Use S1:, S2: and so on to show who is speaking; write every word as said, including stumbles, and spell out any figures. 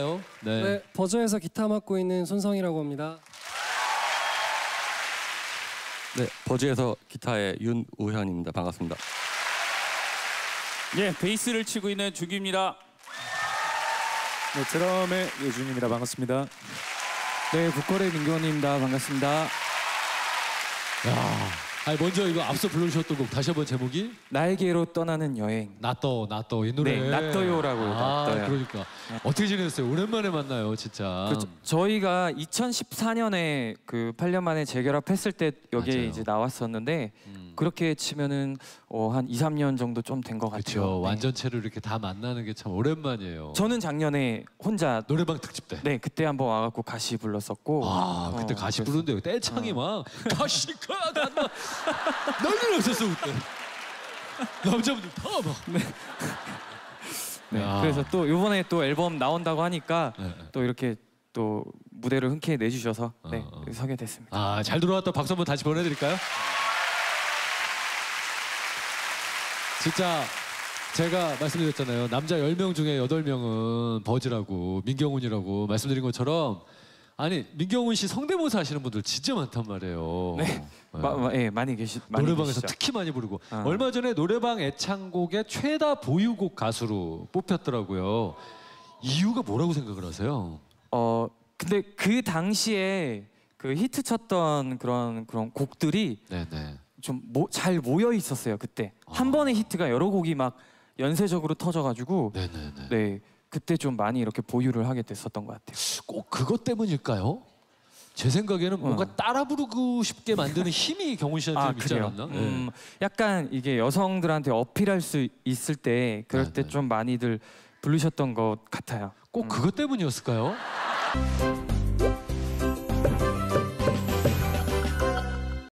S1: 네.
S2: 네, 버저에서 기타 맡고 있는 손성이라고 합니다.
S3: 네, 버즈에서 기타의 윤우현입니다. 반갑습니다.
S4: 예, 베이스를 치고 있는 주기입니다.
S5: 네, 드럼의 예준입니다. 반갑습니다.
S6: 네, 보컬의 민경원입니다. 반갑습니다.
S1: 야, 아니 먼저 이거 앞서 불러주셨던 곡 다시 한번 제목이
S6: 나에게로 떠나는 여행.
S1: 나떠 나떠 이 노래.
S6: 네, 나떠요라고요.
S1: 아,
S6: 나떠요.
S1: 그러니까 네. 어떻게 지내셨어요? 오랜만에 만나요, 진짜.
S6: 그렇죠. 저희가 이천십사 년에 그 팔 년 만에 재결합했을 때 여기에
S1: 맞아요.
S6: 이제 나왔었는데
S1: 음.
S6: 그렇게 치면은 어, 한 이, 삼 년 정도 좀 된 것 같아요.
S1: 그렇죠.
S6: 네.
S1: 완전체로 이렇게 다 만나는 게 참 오랜만이에요.
S6: 저는 작년에 혼자
S1: 노래방 특집 때.
S6: 네, 그때 한번 와갖고 가시 불렀었고.
S1: 아, 그때
S6: 어,
S1: 가시
S6: 그래서-
S1: 부르는데 떼창이 막 가시가 간다 난리 났었어 그때. 남자분들 다 막.
S6: 네,
S1: 야.
S6: 그래서 또 이번에 또 앨범 나온다고 하니까
S1: 네, 네.
S6: 또 이렇게 또 무대를 흔쾌히 내주셔서 네,
S1: 어, 어.
S6: 서게 됐습니다.
S1: 아, 잘 들어왔다. 박수 한번 다시 보내드릴까요? 진짜 제가 말씀드렸잖아요. 남자 열 명 중에 여덟 명은 버즈라고, 민경훈이라고 말씀드린 것처럼 아니, 민경훈 씨 성대모사 하시는 분들 진짜 많단 말이에요.
S6: 네, 마, 마, 예, 많이 계시 많이
S1: 노래방에서
S6: 계시죠.
S1: 특히 많이 부르고
S6: 어.
S1: 얼마 전에 노래방 애창곡의 최다 보유곡 가수로 뽑혔더라고요. 이유가 뭐라고 생각을 하세요?
S6: 어 근데 그 당시에 그 히트 쳤던 그런 그런 곡들이
S1: 네네.
S6: 좀 잘 모여 있었어요. 그때 한 번에 히트가 여러 곡이 막 연쇄적으로 터져가지고
S1: 네네네.
S6: 네, 그때 좀 많이 이렇게 보유를 하게 됐었던 것 같아요.
S1: 꼭 그것 때문일까요? 제 생각에는 뭔가
S6: 어.
S1: 따라 부르고 싶게 만드는 힘이 경훈 씨한테 좀 있지
S6: 그래요?
S1: 않았나?
S6: 음, 약간 이게 여성들한테 어필할 수 있을 때 그럴
S1: 네,
S6: 때
S1: 네.
S6: 좀 많이들 부르셨던 것 같아요.
S1: 꼭 그것 때문이었을까요?